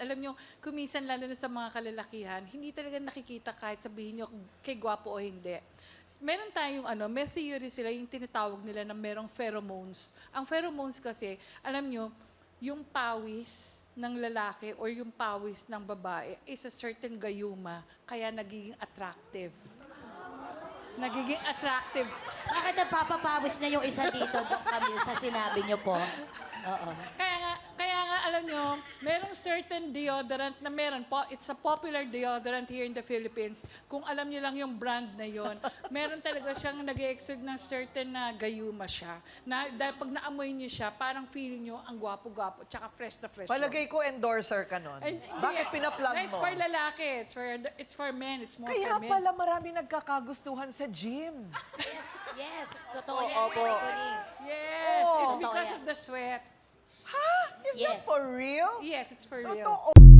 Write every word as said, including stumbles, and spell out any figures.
alam nyo, kuminsan lalo na sa mga kalalakihan, hindi talaga nakikita kahit sabihin nyo kay gwapo o hindi. Meron tayong ano, may theory sila, yung tinatawag nila na merong pheromones. Ang pheromones kasi, alam nyo, yung pawis ng lalaki or yung pawis ng babae is a certain gayuma, kaya nagiging attractive. Nagiging attractive. Bakit napapapawis na yung isa dito, Doc Camille, sa sinabi niyo po? Oo. Kaya nga, kaya nga alam nyo, merong certain deodorant na meron po, it's a popular deodorant here in the Philippines. Kung alam nyo lang yung brand na yon, meron talaga siyang nag-exude ng certain na gayuma siya. Na, dahil pag naamoy nyo siya, parang feeling nyo ang gwapo-gwapo, tsaka fresh na fresh. Palagay ko endorser ka nun. And- Bakit yeah, pinaplag It's mo? for lalaki, it's for, it's for men, it's more Kaya for men. pala marami nagkakagustuhan sa gym. Yes, yes. Totoo Oo, yan. opo. Anthony. Yes, Oh. it's Totoo because yan. of the sweat. Ha? Is that Yes. for real? Yes, it's for real. Totoo.